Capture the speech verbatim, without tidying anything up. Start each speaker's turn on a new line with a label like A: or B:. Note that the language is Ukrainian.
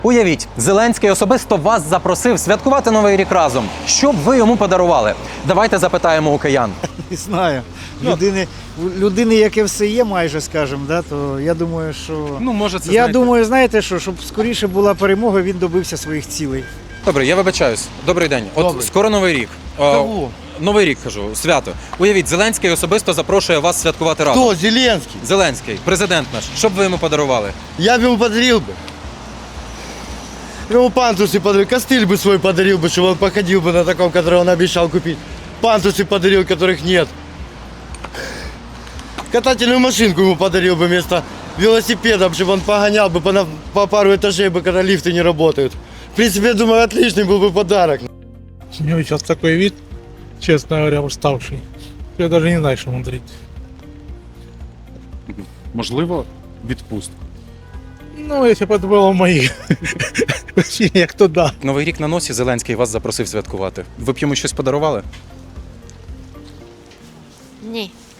A: Уявіть, Зеленський особисто вас запросив святкувати Новий рік разом. Що б ви йому подарували? Давайте запитаємо у киян.
B: Не знаю. Людини, у людини, яке все є, майже, скажімо, да, то я думаю, що...
A: Ну, може, це
B: я
A: знаєте...
B: думаю, знаєте що, щоб скоріше була перемога, він добився своїх цілей.
A: Добре, я вибачаюсь. Добрий день. От
B: Добрий.
A: скоро Новий рік.
C: Кого?
A: Новий рік, кажу, свято. Уявіть, Зеленський особисто запрошує вас святкувати разом.
C: Кто? Зеленский.
A: Зеленський, президент наш. Що б ви йому подарували?
C: Я бы ему подарил бы. Я ему пантусы подарил, костыль бы свой подарил бы, чтобы он походил бы на таком, который он обещал купить. Пантусы подарил, которых нет. Катательную машинку ему подарил бы вместо велосипеда, чтобы он погонял бы по, на- по пару этажей, бы, когда лифты не работают. В принципе, я думаю, отличный был бы подарок.
D: У него сейчас такой вид, честно говоря, уставший. Я даже не знаю, что ему дарить.
E: Можливо, відпустку.
D: Ну, если бы это было в моих ощущениях, то да.
A: Новий рік на носі, Зеленський вас запросив святкувати. Ви б йому щось подарували?
F: Ні.